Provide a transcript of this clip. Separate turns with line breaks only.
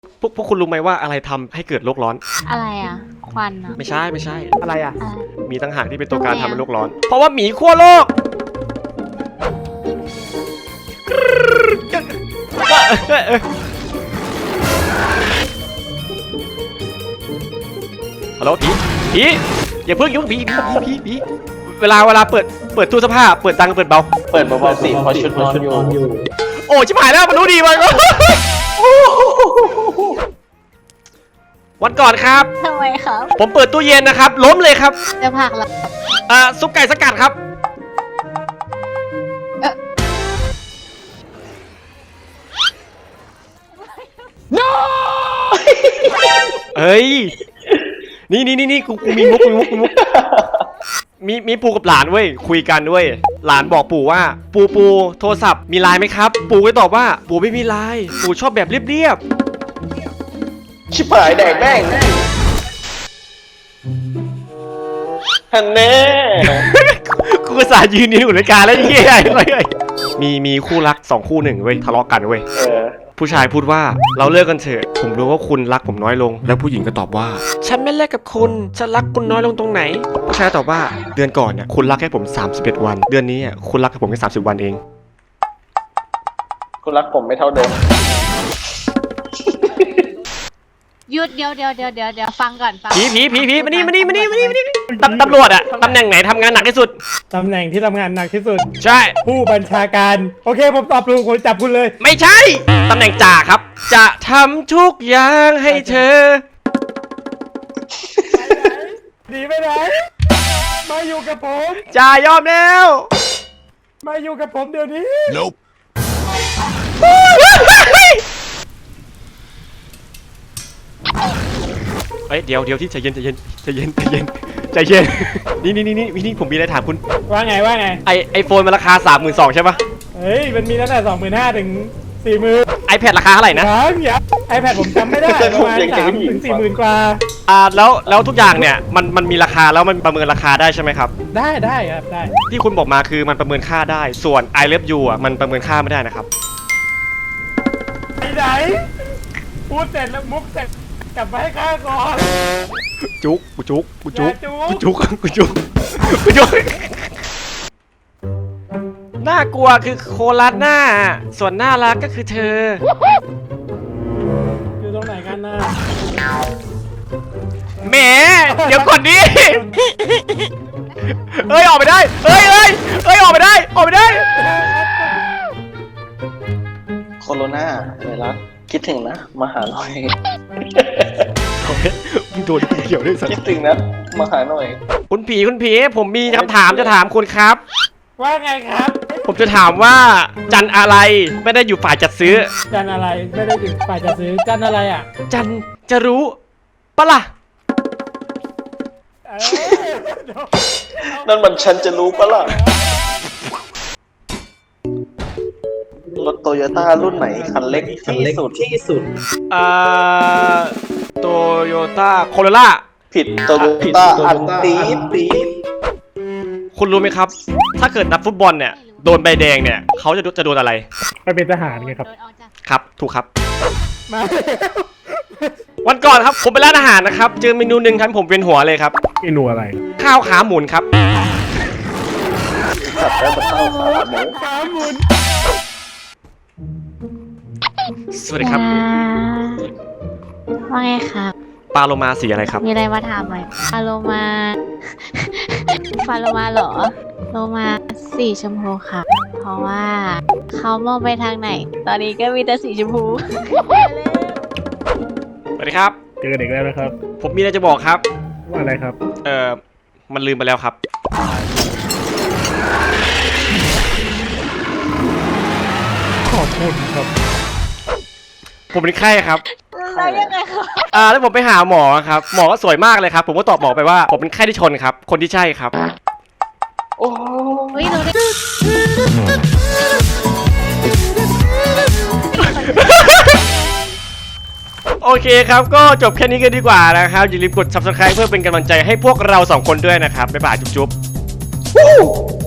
พวกคุณรู้ไหมว่าอะไรทำให้เกิดโลกร้อน
อะไรอ่ะควันอ่ะ
ไม่ใช่
อะไรอ่ะ
มีตั้งหากที่เป็นตัวการทำให้โลกร้อนเพราะว่าหมีขั้วโลกฮัลโหลผีอย่าเพิ่งยุ่งผีเวลาเปิดตู้เสื้อผ้าเปิดดังเปิดเบา
สิเพราะชุดนอนอยู่
โอ้ชิบหายแล้วมันรู้ดีมันวันก่อนครับ
ทำไมครับ
ผมเปิดตู้เย็นนะครับล้มเลยครับ
จะผักละ
ซุปไก่สกัดครับเฮ้ยนี่กูมีมุกมีปู่กับหลานเว้ยคุยกันด้วยหลานบอกปู่ว่าปู่โทรศัพท์มีไลน์ไหมครับปู่ก็ตอบว่าปู่ไม่มีไลน์ปู่ชอบแบบเรียบ
ชิบหายแดกแม่งฮันแน่
กูก็สายยืนอยู่ในการแล้วเฮียมีคู่รัก2คู่1เว้ยทะเลาะกันเว้ยผู้ชายพูดว่าเราเลิกกันเถอะผมรู้ว่าคุณรักผมน้อยลงแล้วผู้หญิงก็ตอบว่าฉันไม่เลิกกับคุณฉันรักคุณน้อยลงตรงไหนผู้ชายตอบว่าเดือนก่อนเนี่ยคุณรักแค่ผม31วันเดือนนี้คุณรักผมแค่30วันเอง
คุณรักผมไม่เท่าเดิม
หยุดเดี๋ยวฟังก่อนฟัง
ผีมานี่ตำรวจอะตำแหน่งไหนทำงานหนักที่สุด
ตำแหน่งที่ทำงานหนักที่สุด
ใช่
ผู้บัญชาการโอเคผมตอบถูกผมจับคุณเลย
ไม่ใช่ตำแหน่งจ่าครับจะทำทุกอย่างให้เธอ
หนีไปไหนมาอยู่กับผม
จ่ายอมแล้ว
มาอยู่กับผมเดี๋ยวนี้
Nope เดี๋ยวที่ใจเย็นนี่ผมมีอะไรถามคุณ
ว่าไง
ไอโฟนมันราคา 32,000ใช่ปะ
เฮ้ยมันมีตั้งแต่ 25,000 ถึง 40,000
iPad ราคาเท่าไหร่นะ
iPad ผมจำไม่ได้ประมาณ 3,000 ถึง 40,000 กว่า
แล้วทุกอย่างเนี่ยมันมีราคาแล้วมันประเมินราคาได้ใช่ไหมครับ
ได้ครับได้
ที่คุณบอกมาคือมันประเมินค่าได้ส่วน I Love You อ่ะมันประเมินค่าไม่ได้นะครับ
ไหนพูดเสร็จแล้วมุกเสร็จกลับมาให้ข้าก่อน
จุกน่ากลัวคือโคลาสหน้าส่วนน่ารักก็คือเธอ
อยู่ตรงไหนกันนะ
แหมเดี๋ยวก่อนดิเอ้ยออกไปได้เอ้ยออกไปได้
โคโรนาไวรัสคิดถึงนะมหาหน่อย
มึงโดนเกี่ยวด้วยสัก
คิดถึงนะมหาหน่อย
คุณผีผมมีคำถามจะถามคุณครับ
ว่าไงครับ
ผมจะถามว่าจันอะไรไม่ได้อยู่ฝ่ายจัดซื้อ
จันอะไรไม่ได้อยู่ฝ่ายจัดซื้อจันอะไรอ่ะ
จันจะรู้ปะล่ะ
นั่นมันฉันจะรู้ปะล่ะรถโตโยต้ารุ่นไหนคันเล็กที่สุด
โตโยต้าโคโรล่า
ผิดโตโยต้าอันตี
คุณรู้ไหมครับถ้าเกิดนักฟุตบอลเนี่ยโดนใบแดงเนี่ยเขาจะโดนอะไร
ไปเป็นทหารไงครับ
ครับถูกครับ
มา
วันก่อนครับผมไปร้านอาหารนะครับเจอเมนูหนึ่งทำให้ผมเวียนหัวเลยครับ
เมนูอะไร
ข้าวขาหมุนครับ
ขาหมุน
สวัสดีครับ
ว่าไงครับ
ปลาโลมาสีอะไรครับ
มีอะไรมาถามไหมปลาโลมาเหรอโลมาสีชมพูค่ะเพราะว่าเขามองไปทางไหนตอนนี้ก็มีแต่สีชมพู
สวัสดีครับ
เจอเด็กแล้วนะครับ
ผมมีอะไรจะบอกครับ
ว่าอะไรครับ
มันลืมไปแล้วครับ
ขอบคุณครับ
ผมเป็นไข้ครับ
แล้วยังไงครับ
แล้วผมไปหาหมอครับหมอก็สวยมากเลยครับผมก็ตอบหมอไปว่าผมเป็นไข้ที่ชนครับคนที่ใช่ครับ
โอ้
ยดูดิ
โอเคครับก็จบแค่นี้กันดีกว่านะครับอย่าลืมกด Subscribe เพื่อเป็นกำลังใจให้พวกเรา2คนด้วยนะครับบ๊ายบายจุ๊บ